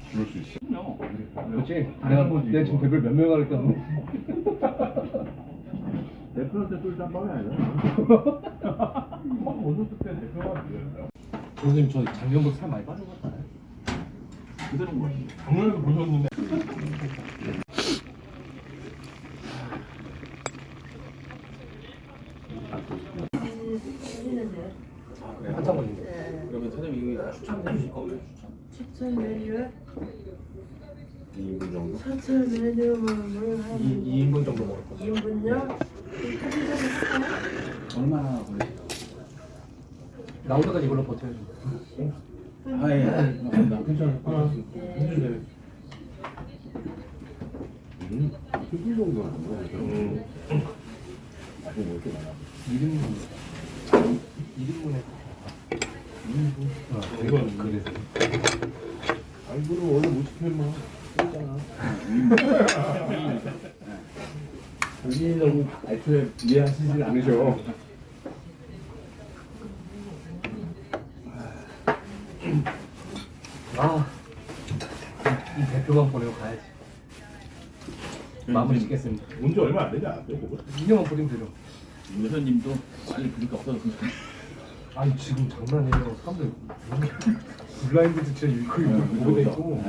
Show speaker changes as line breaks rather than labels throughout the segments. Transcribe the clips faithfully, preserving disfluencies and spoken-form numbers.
그럴 수 있어.
그럼요.
그렇지? 내가 내가 지금 댓글 몇 명 할까?
대표한테 쏠 짬밥이 아니잖아. 어렸을 때 대표가 그랬어요.
선생님 저 작년부터 살 많이 빠진 것 같아요.
그대로인 거 같은데.
작년에도 보셨는데.
한참 걸린대.
그러면 사장님 이거 추천해 주실 거예요?
추천 메뉴
이 인분 정도?
추천 메뉴를 한
이, 이 인분 정도 먹을 거.
이 인분요?
얼마나 걸리세요?
나올 때까지 이걸로 버텨야지.
아, 예. 감사합니다.
괜찮아.
네.
해주세요. 음, 일 정도 안 먹어. 음. 아직 뭐 이렇게 많아.
일 인분. 일 인분에. 어,
이건
그래서.
아니, 그럼 원래 못 시켜, 임마. 쓰잖아. 본인이 너무 애초에 이해하시질 않으셔.
아, 이 대표만 보내고 가야지. 마무리 짓겠습니다.
온지 얼마 안 되지 않았어요, 그거?
이 년만 버리면 되죠.
여사님도 빨리 그렇게 없어졌으면 좋겠어요.
아니 지금 장난이에요. 사람들 블라인드도 진짜 이거 이거 보고 돼 있고.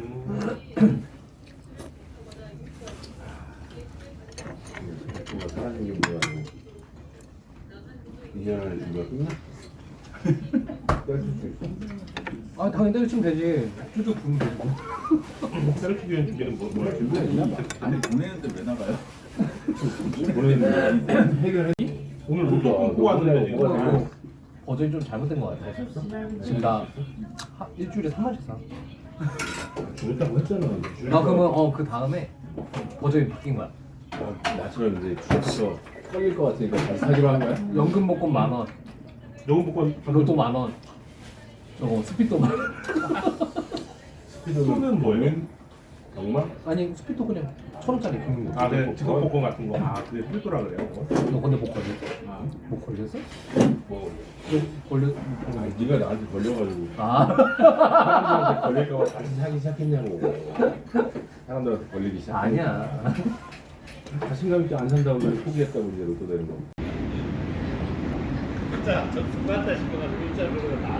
대표가 사라진 게 뭐야, 이 년을 준비가 끝나? 뗄수 있어.
아 당연히 때려치면 되지. 쭉쭉 부으면 되고.
셀프 기획 준비는 뭐, 뭐야?
아니 보내는데 왜 나가요?
보내는 해결해? 오늘 못 뽑고 왔는데 지금.
이거 버전이 좀 잘못된 것 같아. 지금 나 하, 일주일에 삼 만씩 사.
줄였다고 했잖아.
나 그러면 어 그 다음에 버전이 바뀐 거야.
어, 나처럼 이제 줄여서 떨릴 것 같으니까 잘 사기로 한 거야?
연금 복권 만 원,
너무 복권
로또 만 원, 저거 스피도 만 원.
스피드는 뭐예요? 정말?
아니 스피도 그냥 천 원짜리 그런 거.
아, 네, 직업 복권 같은 거. 아, 그게 필도라 그래요? 그거?
너 근데 못 걸렸어?
아,
못 걸렸어?
뭐.
걸렸.
아, 네가 나한테 걸려가지고
아.
사람들한테 걸릴까봐 다시 사기 시작했냐고. 사람들한테 걸리기 시작.
아니야.
자신감 있게 안 산다고 날 포기했다고 이제 로또 되는 거.
진짜 저 누구한테 싶어가지고 일자로 나